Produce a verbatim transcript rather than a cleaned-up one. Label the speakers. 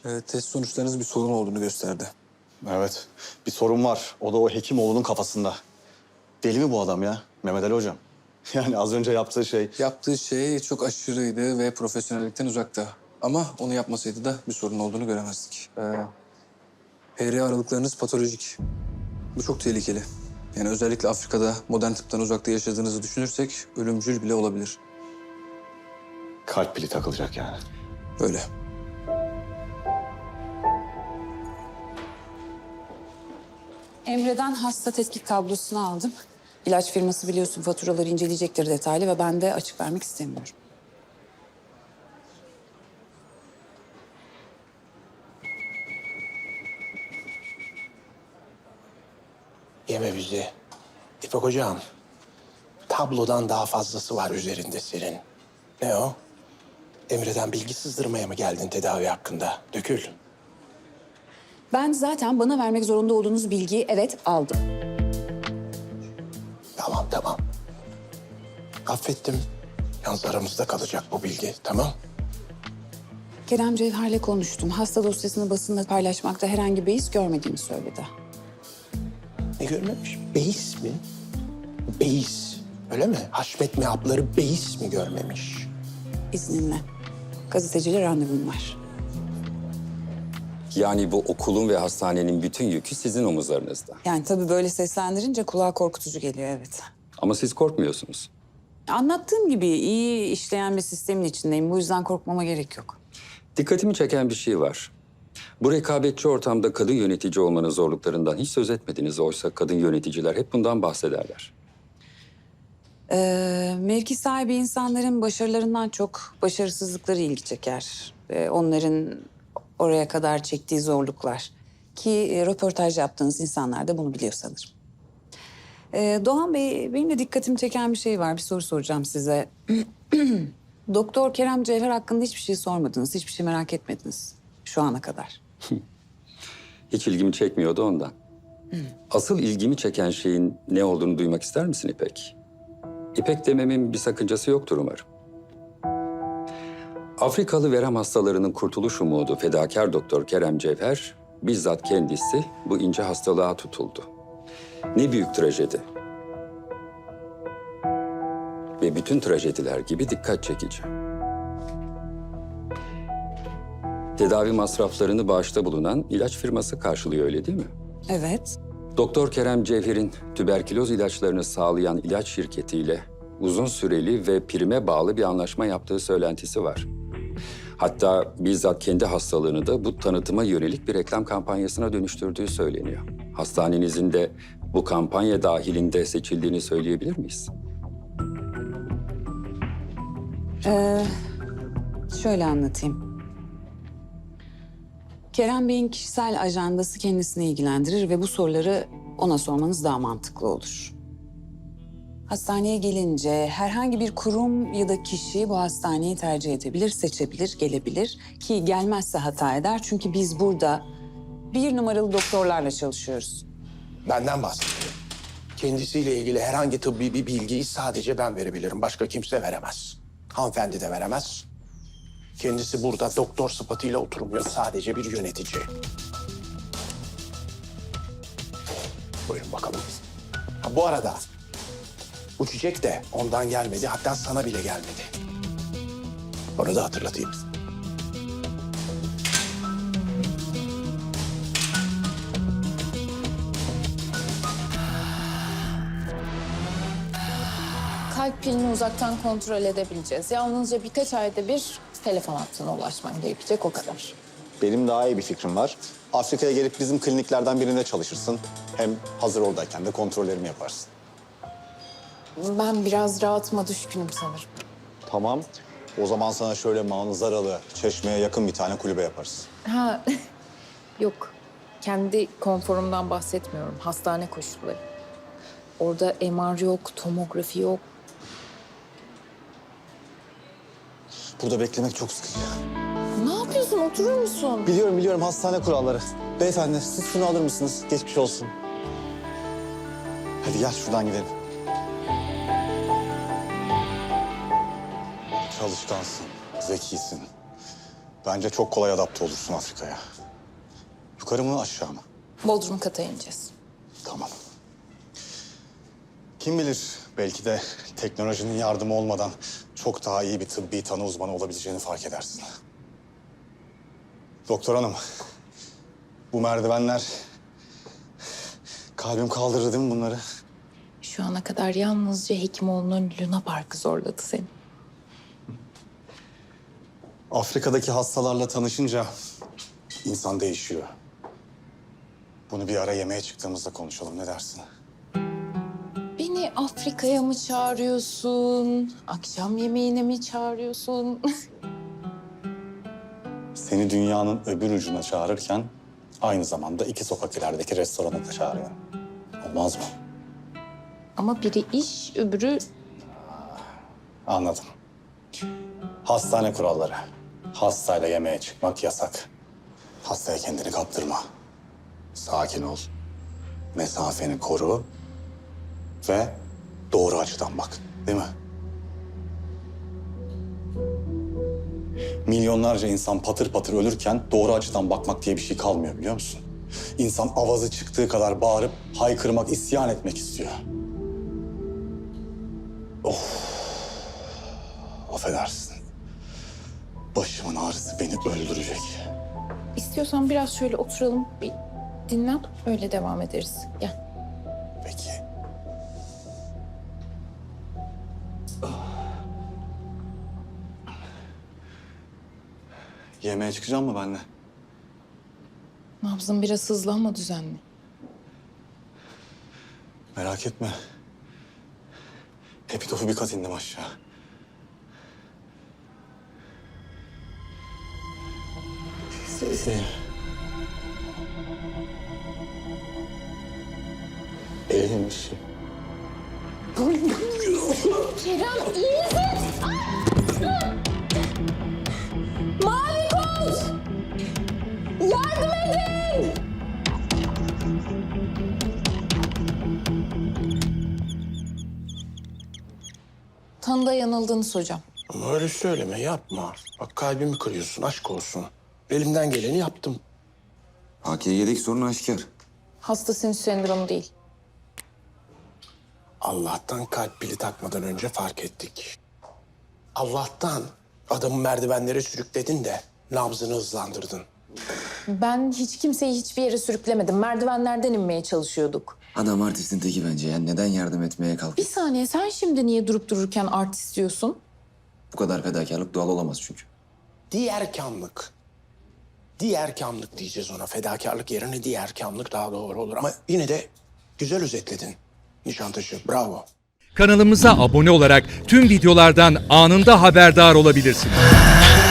Speaker 1: Ee, test sonuçlarınız bir sorun olduğunu gösterdi.
Speaker 2: Evet, bir sorun var. O da o Hekimoğlu'nun kafasında. Deli mi bu adam ya? Mehmet Ali Hocam. Yani az önce yaptığı şey...
Speaker 1: Yaptığı şey çok aşırıydı ve profesyonellikten uzakta. Ama onu yapmasaydı da bir sorun olduğunu göremezdik. Ee, H R aralıklarınız patolojik. Bu çok tehlikeli. Yani özellikle Afrika'da modern tıptan uzakta yaşadığınızı düşünürsek ölümcül bile olabilir.
Speaker 2: Kalp pili takılacak yani.
Speaker 1: Öyle.
Speaker 3: Emre'den hasta tetkik tablosunu aldım. İlaç firması biliyorsun faturaları inceleyecektir detaylı ve ben de açık vermek istemiyorum.
Speaker 4: Yeme bizi. İpek hocam, tablodan daha fazlası var üzerinde senin. Ne o? Emre'den bilgi sızdırmaya mı geldin tedavi hakkında? Dökül.
Speaker 3: Ben zaten bana vermek zorunda olduğunuz bilgiyi evet aldım.
Speaker 4: Tamam, tamam. Affettim. Yalnız aramızda kalacak bu bilgi, tamam?
Speaker 3: Kerem Cevher'le konuştum. Hasta dosyasını basında paylaşmakta herhangi bir beis görmediğini söyledi.
Speaker 4: Ne görmemiş? Beis mi? Beis. Öyle mi? Haşmet mehapları beis mi görmemiş?
Speaker 3: İzninle. Gazeteciyle randevum var.
Speaker 5: Yani bu okulun ve hastanenin bütün yükü sizin omuzlarınızda.
Speaker 3: Yani tabii böyle seslendirince kulağa korkutucu geliyor evet.
Speaker 5: Ama siz korkmuyorsunuz.
Speaker 3: Anlattığım gibi iyi işleyen bir sistemin içindeyim. Bu yüzden korkmama gerek yok.
Speaker 5: Dikkatimi çeken bir şey var. Bu rekabetçi ortamda kadın yönetici olmanın zorluklarından hiç söz etmediniz. Oysa kadın yöneticiler hep bundan bahsederler.
Speaker 3: Ee, mevki sahibi insanların başarılarından çok başarısızlıkları ilgi çeker. Ee, onların oraya kadar çektiği zorluklar. Ki e, röportaj yaptığınız insanlar da bunu biliyor sanırım. Ee, Doğan Bey, benim de dikkatimi çeken bir şey var. Bir soru soracağım size. Doktor Kerem Cevher hakkında hiçbir şey sormadınız, hiçbir şey merak etmediniz şu ana kadar.
Speaker 5: Hiç ilgimi çekmiyordu ondan. Asıl ilgimi çeken şeyin ne olduğunu duymak ister misin İpek? İpek dememin bir sakıncası yoktur umarım. Afrikalı verem hastalarının kurtuluş umudu fedakar doktor Kerem Cevher bizzat kendisi bu ince hastalığa tutuldu. Ne büyük trajedi. Ve bütün trajediler gibi dikkat çekici. Tedavi masraflarını bağışta bulunan ilaç firması karşılıyor, öyle değil mi?
Speaker 3: Evet.
Speaker 5: Doktor Kerem Cevher'in tüberküloz ilaçlarını sağlayan ilaç şirketiyle uzun süreli ve prime bağlı bir anlaşma yaptığı söylentisi var. Hatta bizzat kendi hastalığını da bu tanıtıma yönelik bir reklam kampanyasına dönüştürdüğü söyleniyor. Hastanenizin de bu kampanya dahilinde seçildiğini söyleyebilir miyiz?
Speaker 3: Ee, şöyle anlatayım. Kerem Bey'in kişisel ajandası kendisini ilgilendirir ve bu soruları ona sormanız daha mantıklı olur. Hastaneye gelince herhangi bir kurum ya da kişi bu hastaneyi tercih edebilir, seçebilir, gelebilir. Ki gelmezse hata eder çünkü biz burada bir numaralı doktorlarla çalışıyoruz.
Speaker 4: Benden bahsediyor. Kendisiyle ilgili herhangi tıbbi bir bilgiyi sadece ben verebilirim. Başka kimse veremez. Hanımefendi de veremez. Kendisi burada doktor sıfatıyla oturmuyor. Sadece bir yönetici. Buyurun bakalım. Ha, bu arada bu çiçek de ondan gelmedi. Hatta sana bile gelmedi. Onu da hatırlatayım.
Speaker 6: Kalp pilini uzaktan kontrol edebileceğiz. Yalnızca birkaç ayda bir telefon hattına ulaşman gerekecek, o kadar.
Speaker 2: Benim daha iyi bir fikrim var. Afrika'ya gelip bizim kliniklerden birinde çalışırsın. Hem hazır oradayken de kontrollerimi yaparsın.
Speaker 6: Ben biraz rahatıma düşkünüm sanırım.
Speaker 2: Tamam. O zaman sana şöyle manzaralı, Çeşme'ye yakın bir tane kulübe yaparız.
Speaker 6: Ha, yok. Kendi konforumdan bahsetmiyorum. Hastane koşulları. Orada M R yok, tomografi yok.
Speaker 2: Burada beklemek çok sıkıcı.
Speaker 6: Ne yapıyorsun? Oturur musun?
Speaker 2: Biliyorum biliyorum hastane kuralları. Beyefendi siz şunu alır mısınız? Geçmiş olsun. Hadi gel şuradan gidelim. Çalışkansın, zekisin. Bence çok kolay adapte olursun Afrika'ya. Yukarı mı aşağı mı?
Speaker 6: Bodrum kata ineceğiz.
Speaker 2: Tamam. Kim bilir belki de teknolojinin yardımı olmadan çok daha iyi bir tıbbi tanı uzmanı olabileceğini fark edersin. Doktor hanım, bu merdivenler kalbim kaldırır değil mi bunları?
Speaker 6: Şu ana kadar yalnızca Hekimoğlu'nun Luna Park'ı zorladı seni.
Speaker 2: Afrika'daki hastalarla tanışınca insan değişiyor. Bunu bir ara yemeğe çıktığımızda konuşalım, ne dersin?
Speaker 6: Beni Afrika'ya mı çağırıyorsun? Akşam yemeğine mi çağırıyorsun?
Speaker 2: Seni dünyanın öbür ucuna çağırırken aynı zamanda iki sokak ilerideki restorana da çağırıyorum. Olmaz mı?
Speaker 6: Ama biri iş, öbürü...
Speaker 2: Anladım. Hastane kuralları. Hastayla yemeğe çıkmak yasak. Hastaya kendini kaptırma. Sakin ol. Mesafeni koru. Ve doğru açıdan bak. Değil mi? Milyonlarca insan patır patır ölürken doğru açıdan bakmak diye bir şey kalmıyor biliyor musun? İnsan avazı çıktığı kadar bağırıp haykırmak, isyan etmek istiyor. Of. Affedersin. Başımın ağrısı beni öldürecek.
Speaker 6: İstiyorsan biraz şöyle oturalım, bir dinlen, öyle devam ederiz. Gel.
Speaker 2: Peki. Yemeğe çıkacağım mı benimle?
Speaker 6: Nabzın biraz hızlı ama düzenli.
Speaker 2: Merak etme. Epitofu bir kat indim aşağı. Sesi. Elim bir şey.
Speaker 6: Kerem iyi misin? Mavi koz! Yardım edin! Tanıda yanıldınız hocam.
Speaker 4: Ama öyle söyleme, yapma. Bak kalbimi kırıyorsun, aşk olsun. Elimden geleni yaptım.
Speaker 7: A K G'deki sorun aşikar.
Speaker 6: Hasta sinüs sendromu değil.
Speaker 4: Allah'tan kalp pili takmadan önce fark ettik. Allah'tan adamı merdivenlere sürükledin de nabzını hızlandırdın.
Speaker 6: Ben hiç kimseyi hiçbir yere sürüklemedim. Merdivenlerden inmeye çalışıyorduk.
Speaker 7: Adam artistin teki bence ya. Neden yardım etmeye kalk?
Speaker 6: Bir saniye, sen şimdi niye durup dururken artist diyorsun?
Speaker 7: Bu kadar fedakarlık doğal olamaz çünkü.
Speaker 4: Diğerkamlık. Diğerkamlık diyeceğiz ona. Fedakarlık yerine diğerkamlık daha doğru olur. Ama yine de güzel özetledin Nişantaşı. Bravo.
Speaker 8: Kanalımıza abone olarak tüm videolardan anında haberdar olabilirsiniz.